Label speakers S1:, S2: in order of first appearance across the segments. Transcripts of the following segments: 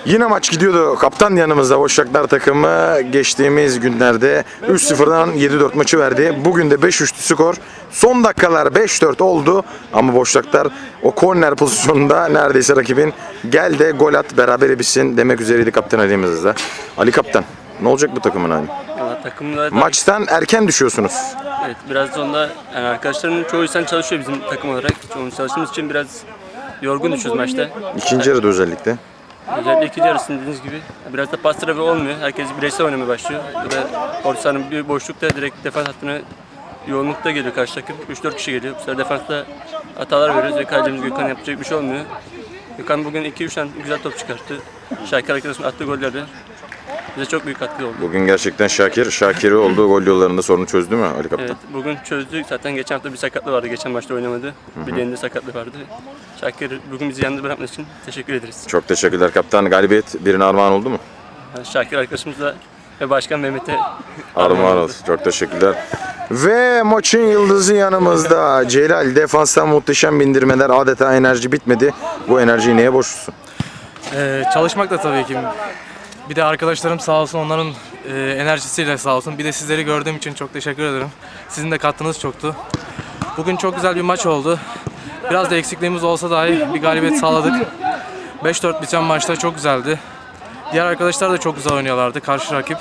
S1: Yine maç gidiyordu. Kaptan yanımızda. Boşaklar takımı geçtiğimiz günlerde 3-0'dan 7-4 maçı verdi. Bugün de 5-3'lü skor. Son dakikalar 5-4 oldu. Ama Boşaklar o korner pozisyonunda neredeyse rakibin gel de gol at berabere bitsin demek üzereydi kaptan elimizde. Ali kaptan, ne olacak bu takımın hali?
S2: Valla takımda
S1: Maçtan erken düşüyorsunuz.
S2: evet, biraz sonra yani arkadaşlarımın çoğu insan çalışıyor bizim takım olarak. Çoğumuz çalıştığımız için biraz yorgun düşüyoruz maçta.
S1: İkinci yarıda özellikle.
S2: Özellikle ikinci yarısında dediğiniz gibi biraz da pas trafiği olmuyor. Herkes bireysel oynamaya başlıyor. Ve orta sahanın bir boşlukta direkt defans hattına yoğunlukta geliyor karşı takım. 3-4 kişi geliyor. Bu sefer defansta hatalar veriyoruz ve kalecimiz Gökhan yapacak bir şey olmuyor. Gökhan bugün 2-3 tane güzel top çıkarttı. Şakir arkadaşımın attığı gollerle bize çok büyük katkı oldu.
S1: Bugün gerçekten Şakir'i olduğu gol yollarında sorunu çözdü mü Ali kaptan?
S2: Evet, bugün çözdük. Zaten geçen hafta bir sakatlığı vardı. Geçen maçta oynamadı. Bileğinde sakatlığı vardı. Şakir bugün bizi yalnız bırakması için teşekkür ederiz.
S1: Çok teşekkürler kaptan. Galibiyet birine armağan oldu mu?
S2: Şakir arkadaşımızla ve Başkan Mehmet'e
S1: Armağan olsun. Çok teşekkürler. Ve maçın yıldızı yanımızda. Celal defanstan muhteşem bindirmeler. Adeta enerji bitmedi. Bu enerjiyi neye borçlusun?
S3: Çalışmak da tabii ki. Bir de arkadaşlarım sağ olsun, onların enerjisiyle sağ olsun. Bir de sizleri gördüğüm için çok teşekkür ederim. Sizin de katkınız çoktu. Bugün çok güzel bir maç oldu. Biraz da eksikliğimiz olsa dahi bir galibiyet sağladık. 5-4 biten maçta çok güzeldi. Diğer arkadaşlar da çok güzel oynuyorlardı, karşı rakip.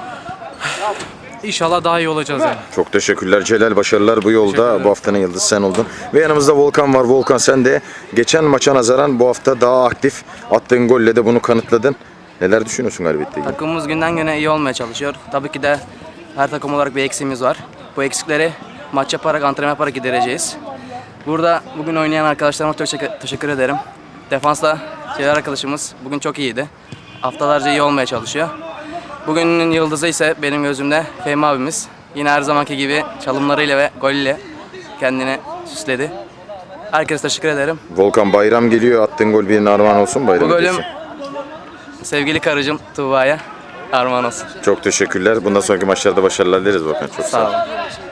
S3: İnşallah daha iyi olacağız yani.
S1: Çok teşekkürler Celal. Başarılar bu yolda. Bu haftanın yıldızı sen oldun. Ve yanımızda Volkan var. Volkan, sen de geçen maça nazaran bu hafta daha aktif. Attığın golle de bunu kanıtladın. Neler düşünüyorsun galibiyetle ilgili?
S4: Takımımız günden güne iyi olmaya çalışıyor. Tabii ki de her takım olarak bir eksiğimiz var. Bu eksikleri maç yaparak, antrenman yaparak gidereceğiz. Burada bugün oynayan arkadaşlarıma çok teşekkür ederim. Defansta Celal arkadaşımız bugün çok iyiydi. Haftalarca iyi olmaya çalışıyor. Bugünün yıldızı ise benim gözümde Fehmi abimiz. Yine her zamanki gibi çalımlarıyla ve golüyle kendini süsledi. Herkese teşekkür ederim.
S1: Volkan, bayram geliyor. Attığın gol birine armağan olsun. Bayram
S4: Bu golüm
S1: hediyesi.
S4: sevgili karıcığım Tuğba'ya armağan olsun.
S1: Çok teşekkürler. Bundan sonraki maçlarda başarılar dileriz Volkan. Çok sağ ol.
S4: Sağ olun.